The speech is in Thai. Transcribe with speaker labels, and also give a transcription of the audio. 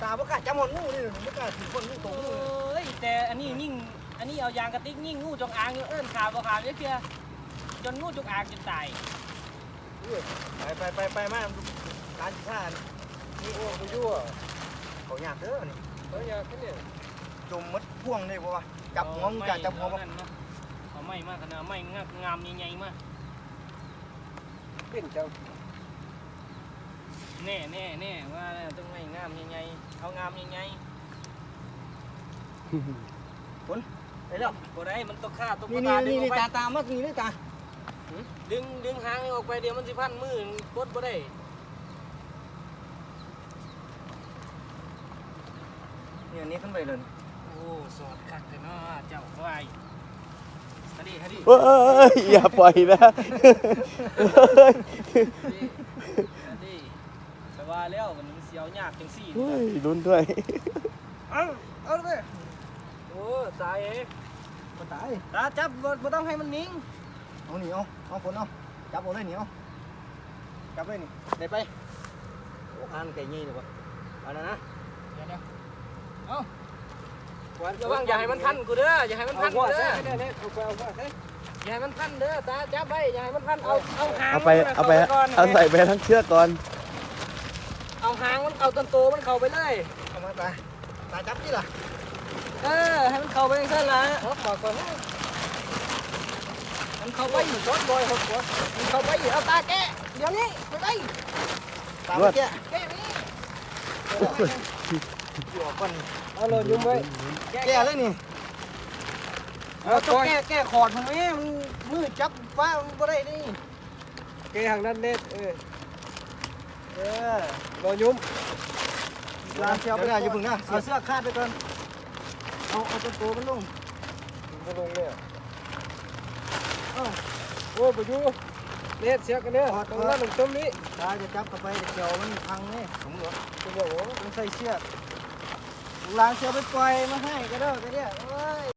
Speaker 1: ตาบ่กล้าจับหอนงูนี่บ่กล้าถือคนงูตรงงู
Speaker 2: เอ้ยแต่อันนี้ยิ่งอันนี้เอายางกระติกยิ่งงูจงอางอยู่เอิ้นขาบ่ขาดเพียจนงูจงอางจนตาย
Speaker 1: ไปมาร้านข้านี่โอ้ไปยั่วเขาอยากเด้อนี่เขาอยากแค่นี้จมมัดพ่วงได้บ่วะจับหัวมึงกะจับหัวบ่
Speaker 2: เอาไม้มากขนาดไม้งามใหญ่ๆมาก
Speaker 1: เป็นเจ้า
Speaker 2: แน่ว่าต้องไม้งามใหญ่ๆเอางามใหญ่
Speaker 1: ไปแล้ว
Speaker 2: ๆบ่ได้มันต้องฆ่าต้อง
Speaker 1: นี่ตามานี่นี่ตา
Speaker 2: ดึงหางออกไปเดี๋ยวมันสิพันมือกดบ่ได้
Speaker 1: นี่อันนี้ขึ้นไปเลย
Speaker 2: โอ้สอดคักเลยเนาะเจ้าควายฮะดิ
Speaker 3: เฮ้ยอย่าปล่อยนะ
Speaker 2: ดิแต่ว่าแล้วมันเสียวยากจังซี่
Speaker 3: เฮ้ยลุ้นด้วย
Speaker 1: เอาเลย
Speaker 2: โอ้ตายเอ้ย
Speaker 1: บ่ตาย
Speaker 2: ตาจับบ่ต้องให้มันนิ่ง
Speaker 1: เอานี่เอาฝนเอาจับเอาเลยนี่เอาจับเลยนี่ได้ไปโอ้อ่านไก่ยี่เลยวะเอานะ
Speaker 2: เดี๋ยวเอาระวังอย่าให้มันพันกูเด้ออย่าให้มันพันกูเด้ออย่าให้มันพันเด้อตาจับไว้อย่าให้มันพันเอาหาง
Speaker 3: เอาไปเอาใส่ไปทั้งเชือกก่อน
Speaker 2: เอาหางมันเอาต้นโตมันเข้าไปเลย
Speaker 1: เอามาตาจับนี่ล่ะ
Speaker 2: ให้มันเข้าไปจังซั่นล่ะบอกก่อนนะมันเข้าไปอยู่รถบอยหกหัวมันเข้าไปอยู่เอาตาแกะเดี๋ยวนี้ไปไป
Speaker 1: ตาเมื่อกี้
Speaker 2: แกะไปนี่
Speaker 1: อยู่ก่อน
Speaker 2: เอาเลยยุ่งไว้
Speaker 1: แก่เลยนี่
Speaker 2: เอาต้องแก้ขอดมันไหมมันมือจับว่ามันบ่ได้นี่
Speaker 1: แก่ทางนั้นเน็ตรอยุ่มลาเชียวไปได้อยู่พึ่งนะเอาเสื้อคาดไปก่อนเอาตัวโตมันลงมันลงเนี่ยโอ้ไปอยู่เน็ตเสียกันเนี่ยตรงนั้นตรงนี้ตาจะจับเข้าไปเกี่ยวมันพังเนี่ยสมมติจะบอกว่ามันใส่เชือกล้างเชือกไปปล่อยมาให้ก็ได้ก็ได้